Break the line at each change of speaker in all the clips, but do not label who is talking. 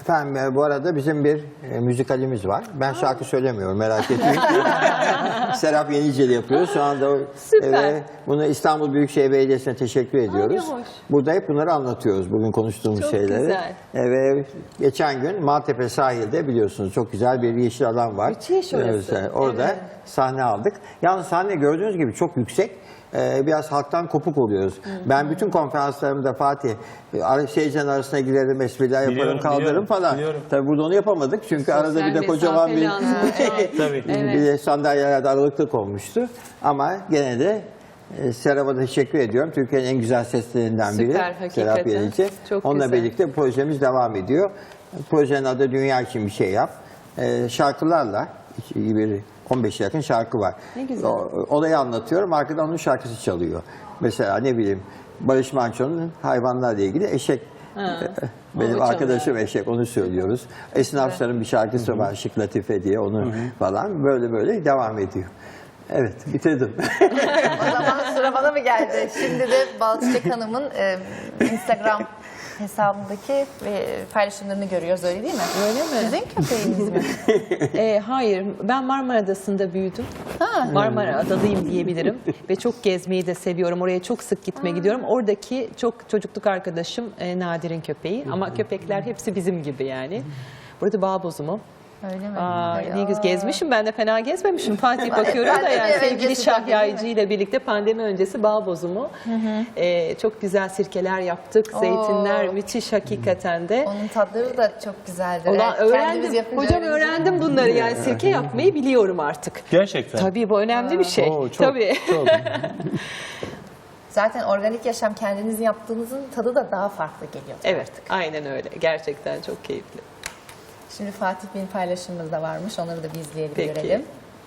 Efendim bu arada bizim bir müzikalimiz var. Ben şarkı söylemiyorum, merak etmeyin. Serap Yeniceli yapıyor. Şu anda bunu İstanbul Büyükşehir Belediyesi'ne teşekkür ediyoruz.
Ay, hoş.
Burada hep bunları anlatıyoruz, bugün konuştuğumuz
Çok
şeyleri.
güzel.
Ve geçen gün Maltepe sahilde biliyorsunuz çok güzel bir yeşil alan var.
Müthiş orası.
Orada
Evet.
sahne aldık. Yalnız sahne gördüğünüz gibi çok yüksek. Biraz halktan kopuk oluyoruz. Ben bütün konferanslarımda Fatih, seyircilerin arasına girerim, espriler yaparım,
Biliyorum,
kaldırırım falan.
biliyorum.
Tabii burada onu yapamadık çünkü arada bir de kocaman bir
Tabii.
bir de sandalyelerde aralıklık olmuştu. Ama gene de Serap'a da teşekkür ediyorum. Türkiye'nin en güzel seslerinden biri.
Süper, hakikaten.
Serap Yenici.
Çok
Onunla
güzel.
birlikte projemiz devam ediyor. Projenin adı Dünya için bir şey yap. Şarkılarla bir 15'e yakın şarkı var.
Ne güzel.
Olayı anlatıyorum, arkadan onun şarkısı çalıyor. Mesela ne bileyim, Barış Manço'nun hayvanlarla ilgili Eşek. Benim
Onu
arkadaşım
çalıyor.
Eşek, onu söylüyoruz. Esnafların bir şarkısı var, Şık Latife diye, onu falan böyle devam ediyor. Evet, bitirdim.
O zaman sıra bana mı geldi? Şimdi de Balçık Hanım'ın Instagram hesabındaki paylaşımlarını görüyoruz, öyle değil mi?
Öyle mi?
Sizin köpeğiniz mi?
Hayır, ben Marmara Adası'nda büyüdüm. Marmara Adalıyım diyebilirim. Ve çok gezmeyi de seviyorum. Oraya çok sık gitmeye gidiyorum. Oradaki çok çocukluk arkadaşım Nadir'in köpeği. Ama köpekler hepsi bizim gibi yani. Burada bağ bozumu.
Öyle mi?
Ne güzel gezmişim, ben de fena gezmemişim. Fatih bakıyorum da yani
Evet,
sevgili
öncesi
Şah
tabii,
Yaycı ile birlikte pandemi öncesi bağ bozumu. Çok güzel sirkeler yaptık, zeytinler müthiş hakikaten de.
Onun tatları da çok güzeldir.
Ulan
Evet, kendimiz
öğrendim,
yapınca
hocam
öyle
öğrendim bunları yani sirke yapmayı biliyorum artık.
Gerçekten.
Tabii bu önemli bir şey.
Oo, çok,
Tabii.
çok.
Zaten organik yaşam kendiniz yaptığınızın tadı da daha farklı geliyor.
Evet, aynen öyle. Gerçekten çok keyifli.
Şimdi Fatih Bey'in paylaşımımız da varmış. Onları da bir izleyelim,
Peki.
görelim.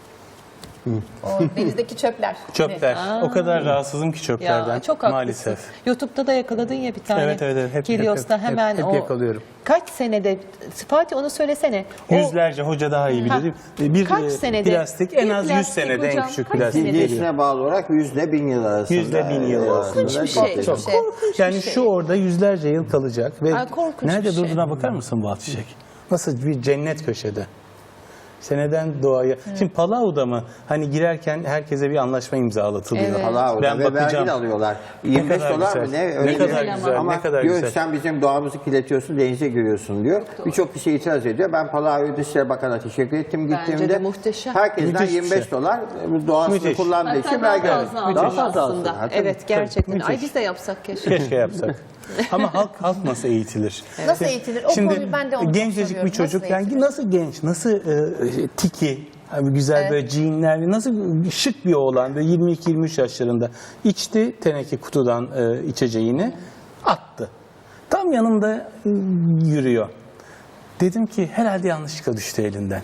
O denizdeki çöpler.
Çöpler. O kadar rahatsızım ki çöplerden.
Ya çok haklısın.
maalesef.
YouTube'da da yakaladın ya bir tane.
Evet. Hep
Kilios'ta hemen
hep
o.
yakalıyorum.
Kaç senede, Fatih onu söylesene. O
Yüzlerce, hoca daha iyi bilir. Bir
Kaç senede?
plastik en
Bir
az 100
plastik
senede en
hocam,
küçük
kaç
plastik
senede?
geliyor.
Cinsine bağlı olarak 100'le 1000 yıl arasında.
100'le 1000 yıl arasında.
Korkunç bir şey.
Çok.
şey.
Yani
bir şey.
şu orada yüzlerce yıl kalacak ve
Ay, korkunç
nerede
bir şey.
durduğuna bakar mısın Bal Çiçek? Nasıl bir cennet köşede. Seneden doğaya. Şimdi Palau'da mı? Hani girerken herkese bir anlaşma imzalatılıyor.
Evet.
Allah'a
Ben
ve vergi
bakacağım.
de alıyorlar. 25
kadar
dolar
güzel.
mı ne?
Ne
Öyle
kadar
bir-
güzel,
Ama
ne kadar
diyor
güzel.
sen bizim doğamızı kirletiyorsun, denize giriyorsun diyor. Birçok kişi itiraz ediyor. Ben Palau Dışişleri Bakanı'na teşekkür ettim
Bence
gittiğimde.
de muhteşem.
Herkesten
Müthiş bir
25
şey.
dolar doğasını
Müthiş.
kullandığı için
Hatta daha
vergi alıyor.
fazla
Daha
almış
fazla
aslında.
alsın.
Evet gerçekten.
müthiş.
Ay biz de yapsak keşke.
Keşke yapsak. Ama halk nasıl eğitilir?
Nasıl eğitilir? O konuyu ben de onu çok
gencecik
soruyorum.
bir çocuk
Nasıl
yani
eğitilir?
nasıl genç, nasıl tiki, hani güzel böyle jeanler, nasıl şık bir oğlan böyle 22-23 yaşlarında içti teneke kutudan içeceğini attı. Tam yanımda yürüyor. Dedim ki herhalde yanlışlıkla düştü elinden.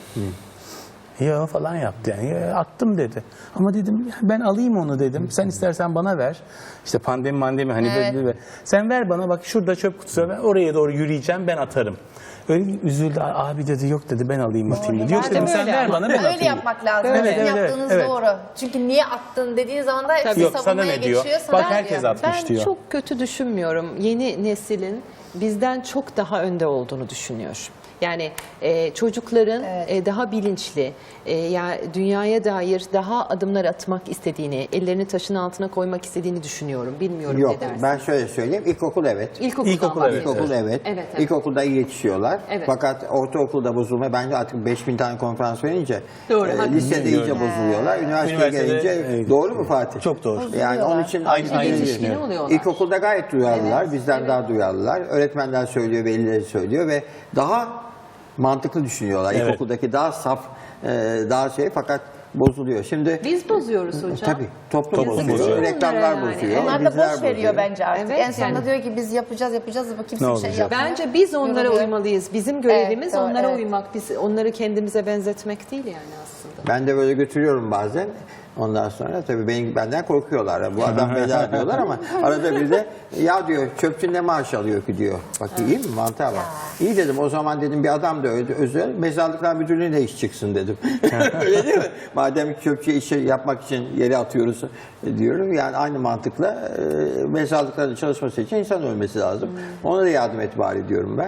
Ya falan yaptı yani. Ya, attım dedi. Ama dedim ben alayım onu dedim. Sen istersen bana ver. İşte pandemi hani
Evet.
böyle. Sen ver bana bak şurada çöp kutusu var. Ben oraya doğru yürüyeceğim ben atarım. Öyle üzüldü. Abi dedi yok dedi ben alayım atayım dedi. Yok
Madem
dedim sen
öyle
ver
ama.
bana ben atayım.
Öyle yapmak lazım.
Evet,
Sizin
evet,
yaptığınız
evet.
doğru. Çünkü niye attın dediğin zaman da hepsi
Yok, sana
savunmaya
ne diyor?
geçiyor. Sana
Bak
ne
herkes
diyor?
atmış
Ben
diyor.
çok kötü düşünmüyorum. Yeni neslin bizden çok daha önde olduğunu düşünüyorum. Yani çocukların daha bilinçli, dünyaya dair daha adımlar atmak istediğini, ellerini taşın altına koymak istediğini düşünüyorum. Bilmiyorum
Yok,
ne dersin?
ben şöyle söyleyeyim. İlkokul evet.
İlkokuldan
İlkokul,
bahsediyorum.
İlkokul evet.
Evet.
İlkokulda iyi yetişiyorlar.
Evet.
Fakat ortaokulda bozulma. Bence artık 5000 tane konferans verince
Doğru, haklısın.
lisede iyice bozuluyorlar. Üniversiteye
Üniversitede,
gelince doğru mu Fatih?
Çok doğru.
Yani onun için
Aynı
Yetişkin
düşünüyorum.
oluyorlar.
İlkokulda gayet duyarlılar. Bizden daha duyarlılar. Öğretmenler söylüyor, velileri söylüyor ve daha mantıklı düşünüyorlar.
Evet.
İlkokuldaki daha saf, daha fakat bozuluyor. Şimdi
Biz bozuyoruz hocam.
tabii toplum
Toplum
bozuyor,
bozuyor.
reklamlar
Yani.
bozuyor,
Onlar da
diziler
boş veriyor
bozuyor.
bence artık.
Evet,
En sonunda
yani.
diyor ki biz yapacağız ama kimse
Ne
bir şey
olacak?
yapmıyor.
Bence biz onlara
Yoruluyor.
uymalıyız. Bizim görevimiz
Evet, doğru,
onlara
evet.
uymak. Biz onları kendimize benzetmek değil yani aslında.
Ben de böyle götürüyorum bazen. Ondan sonra tabii benden korkuyorlar. Bu adam bela diyorlar ama arada bir de ya diyor çöpçü ne maaş alıyor ki diyor. Bak iyi mi? Mantığa bak. İyi dedim o zaman dedim bir adam da öldü özel mezarlıklar müdürlüğüne iş çıksın dedim. Öyle değil mi? Madem çöpçüye işi yapmak için yere atıyoruz diyorum. Yani aynı mantıkla mezarlıklarda çalışması için insan ölmesi lazım. Ona da yardım et bari diyorum ben.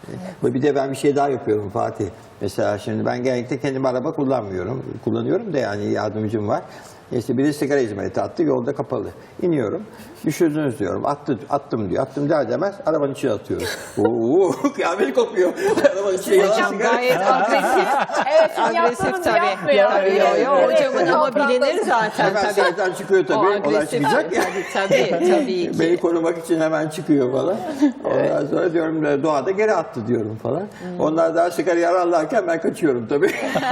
Bir de ben bir şey daha yapıyorum Fatih. Mesela şimdi ben genellikle kendim araba kullanmıyorum. Kullanıyorum da yani yardımcım var. İşte biri sigara hizmeti attı, yolda kapalı. İniyorum, düşürdünüz diyorum, attım diyor. Attım der demez, arabanın içine atıyorum. Kıyamet kopuyor. Arabanın içine yalan
Hocam
sigara.
gayet agresif.
Evet, çünkü
Agresif
yaptığımızı
tabii.
yapmıyor.
Yapıyor. Hocamın ama bilinir zaten
Hemen
tabii.
sayeden çıkıyor
O
tabii, olay
agresif.
çıkacak ya.
Tabii ki.
Beni korumak için hemen çıkıyor falan. Ondan sonra diyorum doğada geri attı diyorum falan. Onlar daha sigarayı ararlarken ben kaçıyorum tabii.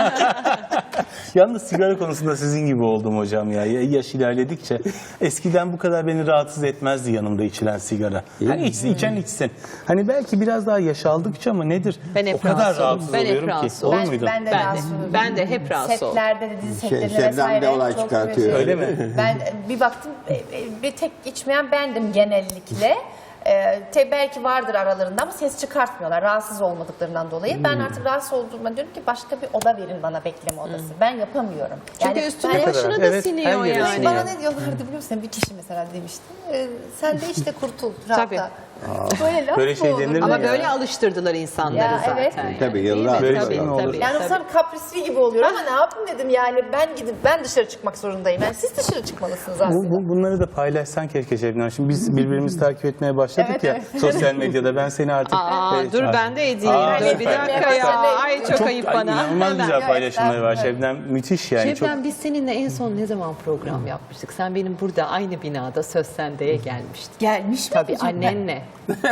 Yalnız sigara konusunda sizin gibi oldum hocam ya. Yaş ilerledikçe eskiden bu kadar beni rahatsız etmezdi yanımda içilen sigara. Hani içen içsin. Hani belki biraz daha yaş aldıkça ama nedir?
Ben hep
o kadar
rahatsız
rahatsız
oldum. Ben hep
oluyorum ki.
rahatsız
Olur
oldum.
muydun?
Ben de
Ben
rahatsız oluyorum.
de, ben de hep rahatsız oldum.
Setlerde de dizi setlerinde
Şebnem de
vesaire.
olay
çok
çıkartıyor.
şey.
Öyle mi?
Ben bir baktım bir tek içmeyen bendim genellikle. Belki vardır aralarında ama ses çıkartmıyorlar rahatsız olmadıklarından dolayı. Ben artık rahatsız olduğumda diyorum ki başka bir oda verin bana, bekleme odası. Ben yapamıyorum.
Çünkü üstüne
ben-
başına da
Evet,
siniyor
her yere
yani.
siniyor.
Bana ne diyorlardı biliyor musun? Bir kişi mesela demişti. Sen de işte kurtul
Tabii.
rahatla. Böyle laf
Böyle
mı
şey
olur?
denir mi?
Ama
ya.
böyle alıştırdılar insanları
Ya,
zaten.
evet.
Yani.
Tabii,
Değil
yıllar
mi?
böyle
Tabii,
şey mi olur?
tabii,
Yani
tabii.
sonra kaprisli gibi oluyor ama ne yapayım dedim yani ben dışarı çıkmak zorundayım. Yani siz dışarı çıkmalısınız aslında.
Bunları da paylaşsan keşke Şebnem. Şimdi biz birbirimizi takip etmeye başladık
Evet,
ya
evet.
sosyal medyada. Ben seni artık...
Dur ben de edeyim. Dur bir
süper.
dakika ya. Ay çok ayıp bana.
İnanılmaz
Hemen.
güzel paylaşımları var.
estağfurullah.
Şebnem müthiş yani.
Şebnem biz seninle en son ne zaman program yapmıştık? Sen benim burada aynı binada Söz Sende'ye gelmiştin.
Gelmiş mi?
Tabii annenle.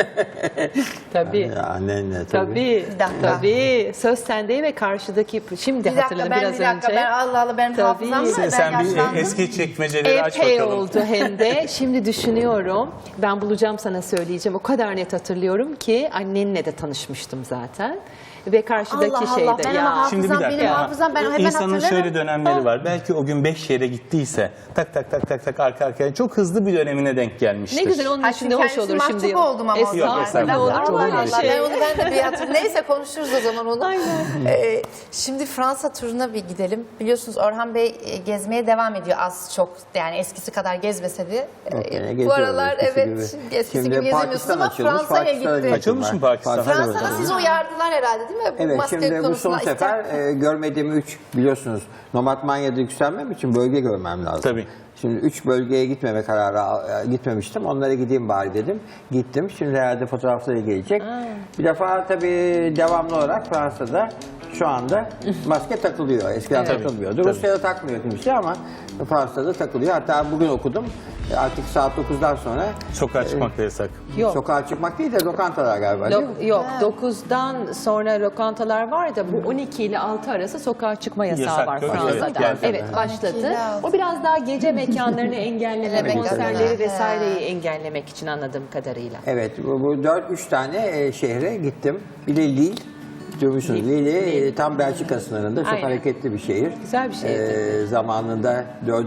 Tabii.
Ya annenle tabii.
Tabii.
Bir dakika.
Tabii. Söz Sende'ye ve karşıdaki şimdi
Bir dakika
hatırladım
ben
biraz
bir dakika
önce.
ben Allah Allah benim
Tabii.
hafızam var. Ben
Sen bir
yaşlandım.
eski çekmeceleri aç
Epey
bakalım.
oldu hem de. Şimdi düşünüyorum. Ben bulacağım sana söyleyeceğim. O kadar net hatırlıyorum ki annenle de tanışmıştım zaten. Ve karşıdaki
Allah
şeyde.
Allah, ben ama
Şimdi bir dakika.
Benim hafızam, ben hemen
İnsanın
hatırlarım.
şöyle dönemleri var. Belki o gün 5 yere gittiyse tak tak tak tak tak arka arkaya çok hızlı bir dönemine denk gelmiştir.
Ne güzel onun
Ha,
için de
çünkü
hoş
kendisi
olur
mahcup
şimdi.
oldum ama o zaman.
estağfurullah.
Olur
Allah
mu öyle
Allah,
şey?
ben onu de bir hatırlıyorum. Neyse konuşuruz o zaman onu.
Aynen.
Şimdi Fransa turuna bir gidelim. Biliyorsunuz Orhan Bey gezmeye devam ediyor az çok. Yani eskisi kadar gezmese de.
Yok, gene
Bu
geziyoruz
aralar
eskisi
evet
gibi.
şimdi eskisi
Şimdi
gibi gezemiyorsunuz
Pakistan
ama
açılmış,
Fransa'ya
Pakistan'a
gitti.
gittim
Açılmış
ben.
mı Pakistan?
Fransa'da siz uyardılar herhalde değil mi? Bu
Evet,
maske
şimdi bu
konusunda
son sefer görmediğim 3 biliyorsunuz Nomad Manya'da yükselmem için bölge görmem lazım.
Tabii.
Şimdi 3 bölgeye gitmeme gitmemiştim. Onlara gideyim bari dedim. Gittim. Şimdi herhalde fotoğrafları gelecek. Bir defa tabii devamlı olarak Fransa'da şu anda maske takılıyor. Eskiden takılmıyordu. Rusya'da takmıyor kimse ama Fransa'da takılıyor. Hatta bugün okudum. Artık saat 9'dan sonra
Sokağa çıkmak da yasak.
Yok.
sokağa çıkmak değil de lokantalar galiba değil mi?
Yok 9'dan sonra lokantalar var da bu 12 ile 6 arası sokağa çıkma yasağı
Yasak,
var
yok,
Fransa'da.
yasak geldi.
Evet
12
başladı.
ile 6.
O biraz daha gece mekanlarını engelleme,
Evet,
konserleri
tabii.
vesaireyi engellemek için anladığım kadarıyla.
Evet, bu 3 tane şehre gittim. Bir de Lille, duymuşsunuz. Lille tam Belçika sınırında çok
Aynen.
hareketli bir şehir.
Güzel bir şehir.
Zamanında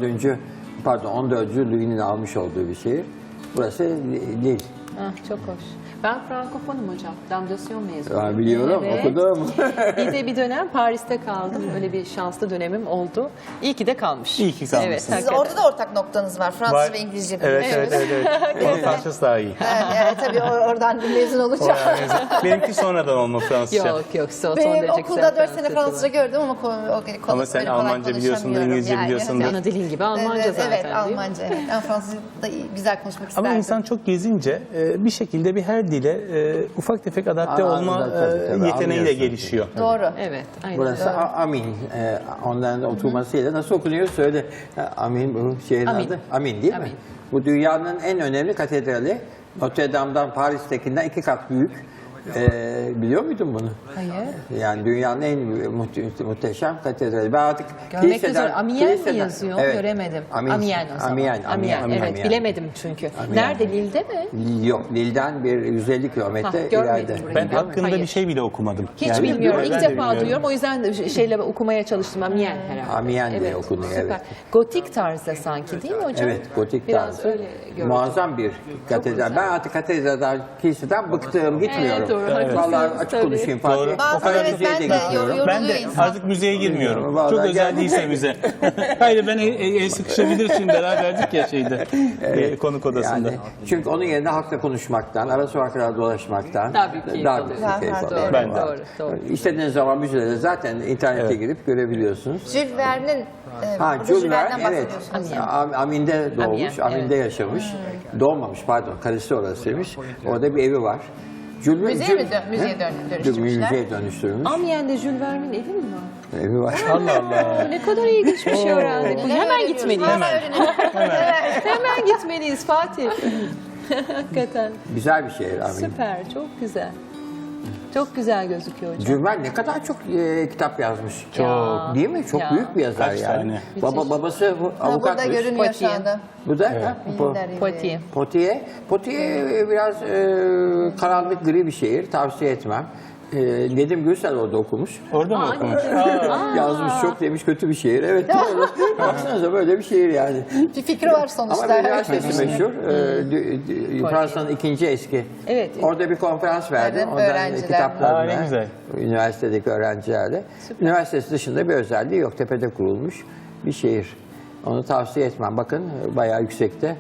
14. Louis'nin almış olduğu bir şehir. Burası Lille.
Ah, çok hoş. Ben Frankofonum hocam. Damdasyon mezunuyum.
Ben biliyorum,
Evet.
okudum.
Bir de bir dönem Paris'te kaldım. Öyle bir şanslı dönemim oldu. İyi ki de kalmış.
İyi ki kalmışsın.
Evet,
Siz
hakikaten.
orada da ortak noktanız var. Fransız
Var.
ve İngilizce.
Evet,
biliyorsunuz.
evet. Onun Fransız daha iyi.
Evet, tabii oradan mezun olacağım.
Benimki sonradan olma Fransızca.
Yok son
Benim
derece
okulda
güzel
4 sene Fransızca
var.
gördüm ama
Ama sen Almanca biliyorsundur, İngilizce biliyorsundur.
Ana dilin gibi Almanca
evet,
zaten
evet,
değil mi?
Almanca. Evet. Ben Fransızca da güzel konuşmak isterdim.
Ama insan çok gezince bir şekilde bir her dile ufak tefek adapte
Aa,
olma
tabii,
yeteneği de
anlıyorsun.
gelişiyor.
Doğru.
Evet, aynen.
Burası Amin. Onların oturmasıyla nasıl okunuyor söyle. Amin bu şehrin
Amin.
adı. Amin değil mi?
Amin.
Bu dünyanın en önemli katedrali. Notre Dame'dan Paris'tekinden 2 kat büyük. Biliyor muydun bunu?
Hayır.
Yani dünyanın en muhteşem katedrali. Ben artık
Görmek de zor. Amiens mi yazıyor?
Evet.
Göremedim.
Amiens.
Amiens o zaman.
Amiens.
Amiens, evet.
Amiens.
Bilemedim çünkü.
Amiens.
Nerede? Lille'de mi?
Lille yok. Lille'den bir 150 kilometre
görmedim
ileride.
burayı.
Ben hakkında
Hayır.
bir şey bile okumadım.
Hiç
Yani
bilmiyorum.
ben
İlk
de
defa
bilmiyorum.
duyuyorum. O yüzden okumaya çalıştım. Amiens herhalde.
Amiens diye okunuyor,
Süper.
evet.
Gotik tarzda sanki değil mi hocam?
Evet, gotik
Biraz
tarzı.
öyle gördüm.
Muazzam bir katedral.
güzel.
Ben artık katedralden, kiliseden bıktım, gitmiyorum.
doğru. Haklısınız,
Vallahi açık
tabii.
konuşayım Fatih.
Doğru.
O
Bazen
kadar
evet,
müziğe de
ben de
gitmiyorum.
Ben de
insan.
artık müzeye girmiyorum.
Vallahi
Çok özel
gel-
değilse müze. Hayır ben el sıkışabilir şimdi beraberdik ya şeyde konuk odasında.
Yani, çünkü onun yerine halkla konuşmaktan, ara sokaklarda dolaşmaktan
Daha büyük keyif
daha
alıyorsun.
büyük keyif
Doğru,
alıyorum.
Ben de.
Doğru, doğru.
İstediğiniz zaman müzelere zaten internete girip görebiliyorsunuz.
Jules Verne'in
Ha,
burada
Jules
Jules
Verne,
Verne'den
evet.
bahsediyorsunuz.
Amin'de doğmuş,
Amiens,
Amin'de yaşamış. Doğmamış, pardon, karısı orasıymış. Orada bir evi var.
Müzeye dönüştürmüşler?
Müzeye dönüştürmüş.
Amiens'de Jules Verne'in evi mi var?
Evi var.
Allah Allah.
Ne kadar ilginç bir şey öğrendik. Hemen
öğreniyoruz?
gitmeliyiz.
Hemen öğrenelim.
Hemen gitmeliyiz Fatih. Hakikaten
Güzel bir şehir Amin.
süper, çok güzel. Çok güzel gözüküyor hocam.
Jules Verne ne kadar çok kitap yazmış.
Çok.
Değil mi? Çok
Ya.
büyük bir yazar
Kaç
yani.
tane?
Babası bu
Ha, burada
avukatmış.
görünüyor şu
Poitiers.
anda.
Bu da ha,
Poitiers.
Poitiers biraz karanlık gri bir şehir. Tavsiye etmem. Nedim Gürsel orada okumuş.
Orada mı okumuş?
Yazmış çok demiş kötü bir şehir. Evet doğru. Baksanıza böyle bir şehir yani.
Bir fikri var sonuçta.
Ama üniversitesi meşhur. Fransa'nın ikinci eski.
Evet.
Orada bir konferans verdi.
Evet,
Ondan
öğrenciler.
kitaplarına.
Aa, ne güzel.
Üniversitedeki öğrencilerle. Üniversitesi dışında bir özelliği yok. Tepede kurulmuş bir şehir. Onu tavsiye etmem. Bakın bayağı yüksekte.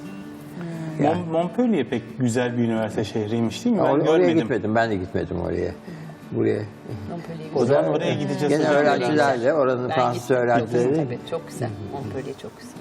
Montpellier pek güzel bir üniversite şehriymiş değil mi? Ben
Oraya
görmedim.
gitmedim. Ben de gitmedim oraya. Buraya.
O zaman oraya gideceğiz.
Gene
hocam.
öğrencilerle, oranın
Ben
Fransız
gittim.
öğrencileri.
Tabii, çok güzel. Montpellier çok güzel.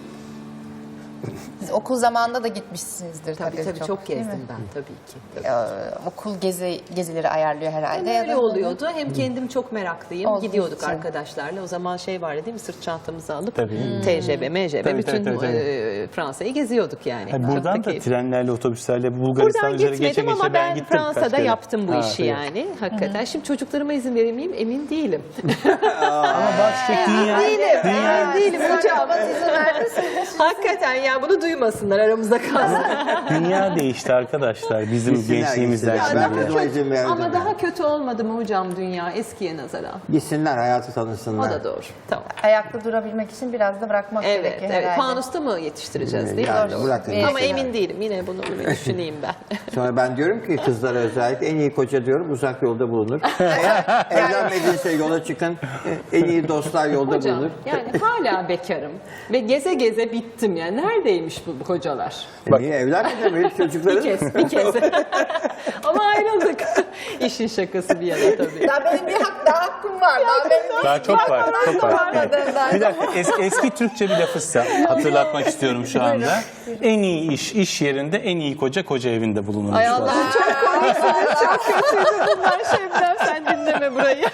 Siz okul zamanında da gitmişsinizdir
Tabii tabii çok
değil mi?
gezdim ben tabii ki.
Okul gezileri ayarlıyor herhalde. ya
Öyle
da-
oluyordu. Hem kendim çok meraklıyım.
Olduğu
Gidiyorduk
için.
arkadaşlarla. O zaman şey vardı değil mi? Sırt çantamızı alıp
Tabii.
TCB, MCB
Tabii,
bütün
tabii.
Fransa'yı geziyorduk yani.
Hayır,
Çok da
buradan da
keyifli.
trenlerle, otobüslerle Bulgaristan
Buradan
üzeri geçe
gitmedim
geçe
ama
ben
ben
gittim. kaç
Fransa'da
kere.
yaptım bu
Ha,
işi
evet.
yani. Hakikaten. Şimdi çocuklarıma izin verir miyim? Emin değilim.
Ama bak işte dünya,
Emin değilim hocam.
İzin vermezseniz.
Hakikaten ya bunu duymasınlar aramızda kalsın.
dünya değişti arkadaşlar bizim
Gitsinler,
gençliğimizden
gitsinler.
şimdi.
Ben kızıma izin verdim.
Ama daha kötü olmadı mı hocam dünya eskiye nazaran?
Gitsinler, hayatı
O
tanısınlar.
da doğru. Tamam.
Ayakta durabilmek için biraz da bırakmak
Evet,
gerekiyor
evet.
herhalde.
Fanusta mı yetiştireceğiz değil mi?
Yani bırakın
Ama
gitsinler.
emin değilim. Yine bunu bir düşüneyim ben.
Sonra ben diyorum ki kızlara özellikle en iyi koca diyorum uzak yolda bulunur. Evlenmediyse yola çıkın. En iyi dostlar yolda
Hocam
bulunur.
yani hala bekarım ve geze geze bittim yani. Neredeymiş bu kocalar?
Niye evlenmedin mi? Hiç çocukların?
Bir kez. Ama ayrıldık. İşin şakası bir yana tabii.
Daha benim daha hakkım var. Daha benim
Daha çok var, çok var.
varmadı.
Bir dakika, eski Türkçe bir lafı size hatırlatmak istiyorum şu anda. En iyi iş yerinde, en iyi koca evinde bulunur.
Ay Allah'ım çok komiksin. Çok kötüydü bunlar Şebnem. Sen dinleme burayı.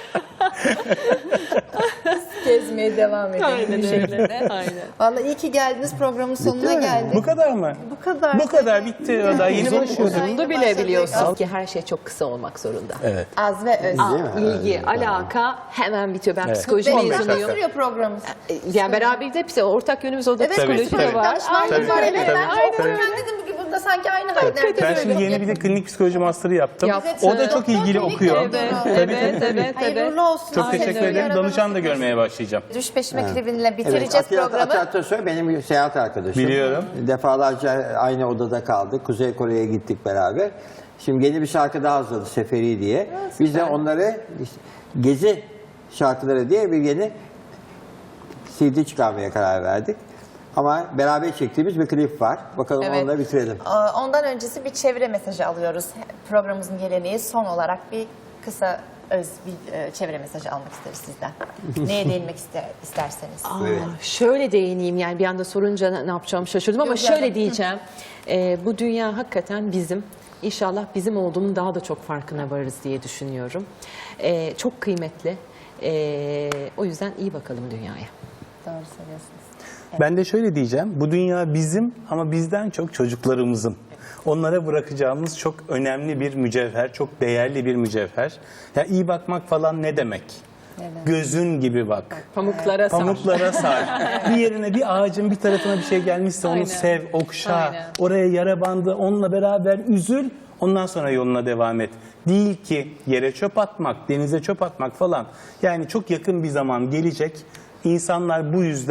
gezmeye devam edelim.
Aynen öyle. Aynen.
Vallahi iyi ki geldiniz, programın sonuna geldik.
Bu kadar mı?
Bu kadar.
Bu kadar bitti. Daha yeni başlıyoruz.
Uzundu bile biliyorsunuz ki her şey çok kısa olmak zorunda.
Evet.
Az ve öz.
İlgi, alaka hemen bitiyor. Ben
Evet.
psikoloji
15 dakika
mezunuyum.
sürüyor programımız.
Yani beraber de bir ortak yönümüz o da
Evet,
psikoloji
tabii.
de var.
Aynen var. Evet,
tabii,
ben çok
tabii.
öğrendim bugün burada sanki aynı hayat
Ben
neredeyse
şimdi
öyle.
yeni bir de klinik psikoloji master'ı yaptım.
Yaptın.
O da çok ilgili
Doktor
okuyor.
klinik
Evet,
doktoru.
evet.
Hayırlı uğurlu olsun.
Çok
Aynen
teşekkür
öyle.
ederim. Danışan da görmeye başlayacağım.
Düş peşime klibinle
Evet,
bitireceğiz
Atilla
programı.
Atasoy benim bir seyahat arkadaşım.
Biliyorum.
Defalarca aynı odada kaldık. Kuzey Kore'ye gittik beraber. Şimdi yeni bir şarkı daha hazırladı Seferi diye. Biz de onları gezi şarkıları diye bir yeni CD çıkarmaya karar verdik. Ama beraber çektiğimiz bir klip var. Bakalım
Evet.
onunla bitirelim.
Ondan öncesi bir çevre mesajı alıyoruz. Programımızın geleneği son olarak bir kısa öz bir çevre mesajı almak isteriz sizden. Neye değinmek isterseniz.
Evet.
Şöyle değineyim yani bir anda sorunca ne yapacağımı şaşırdım ama
Yok,
şöyle
yani.
diyeceğim. Bu dünya hakikaten bizim. İnşallah bizim olduğunun daha da çok farkına varırız diye düşünüyorum. Çok kıymetli. O yüzden iyi bakalım dünyaya.
Doğru söylüyorsunuz.
Ben de şöyle diyeceğim. Bu dünya bizim ama bizden çok çocuklarımızın. Onlara bırakacağımız çok önemli bir mücevher, çok değerli bir mücevher. Ya iyi bakmak falan ne demek? Gözün gibi bak.
Pamuklara sar.
Pamuklara sar. Bir yerine bir ağacın bir tarafına bir şey gelmişse onu
Aynen.
sev, okşa.
Aynen.
Oraya yara bandı, onunla beraber üzül. Ondan sonra yoluna devam et. Değil ki yere çöp atmak, denize çöp atmak falan. Yani çok yakın bir zaman gelecek. İnsanlar bu yüzden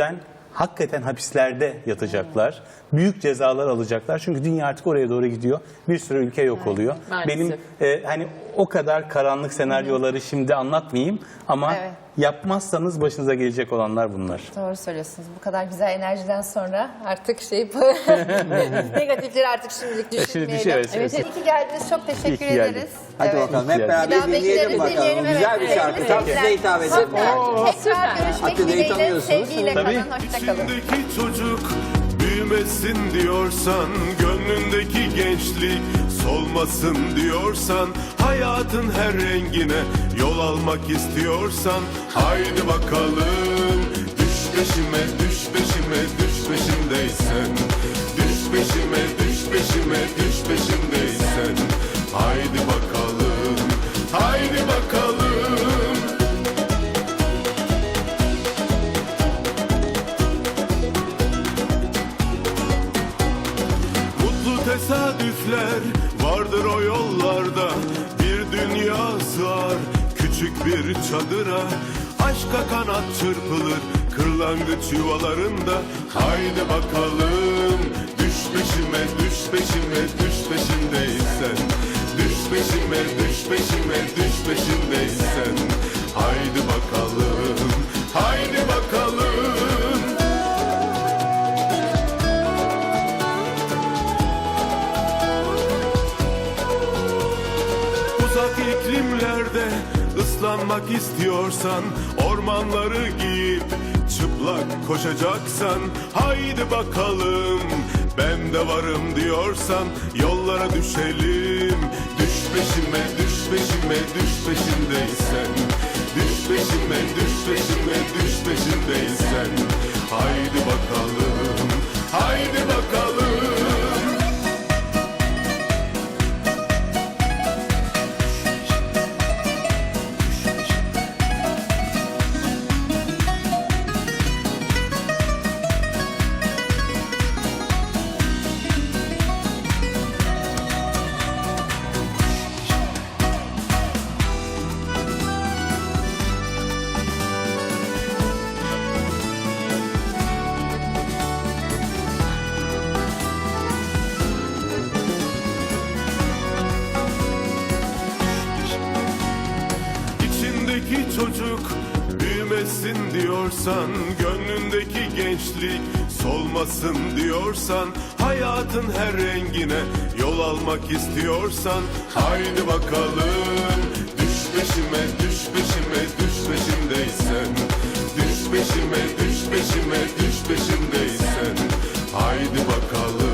hakikaten hapislerde yatacaklar. Büyük cezalar alacaklar. Çünkü dünya artık oraya doğru gidiyor. Bir sürü ülke yok oluyor.
maalesef.
Benim hani o kadar karanlık senaryoları şimdi anlatmayayım ama
Evet.
yapmazsanız başınıza gelecek olanlar bunlar.
Doğru söylüyorsunuz. Bu kadar güzel enerjiden sonra artık negatifleri artık şimdilik düşünmeyelim.
düşüyoruz.
Evet,
İyi ki geldiniz. Çok teşekkür
İyi ki geldin.
ederiz.
Hadi
Evet.
bakalım
İyi
hep
ki
beraber
Bir daha
dinleyelim
bekleriz,
bakalım.
dinleyelim.
Güzel
Evet,
bir şarkı.
evet,
Tam
evet.
size hitap edecek.
Tekrar görüşmek
Akıbey'i
dileğiyle.
tanıyorsunuz.
Sevgiyle
Tabii.
kalın. Hoşçakalın.
İçindeki çocuk büyümesin diyorsan, gönlündeki gençlik solmasın diyorsan, hayatın her rengine yol almak istiyorsan, haydi bakalım düş peşime, düş peşime, düş peşimdeysen, düş peşime, düş peşime, düş peşimdeysen, haydi bakalım, haydi bakalım. Mutlu tesadüfler vardır o yollarda, bir dünya sığar küçük bir çadıra, aşka kanat çırpılır kırlangıç yuvalarında, haydi bakalım düş peşime, düş peşime, düş peşimdeysen, düş peşime, düş peşime, düş peşimdeysen, haydi bakalım, haydi bakalım. Uzak iklimlerde ıslanmak istiyorsan, ormanları giyip çıplak koşacaksan, haydi bakalım ben de varım diyorsan, yollara düşelim. Düş peşime, düş peşime, düş peşimdeysen, düş peşime, düş peşime, düş peşimdeysen, haydi bakalım, haydi bakalım. İçindeki çocuk büyümesin diyorsan, gönlündeki gençlik solmasın diyorsan, hayatın her rengine yol almak istiyorsan, haydi bakalım düş peşime, düş peşime, düş peşimdeysen, düş peşime, düş peşime, düş peşimdeysen, haydi bakalım.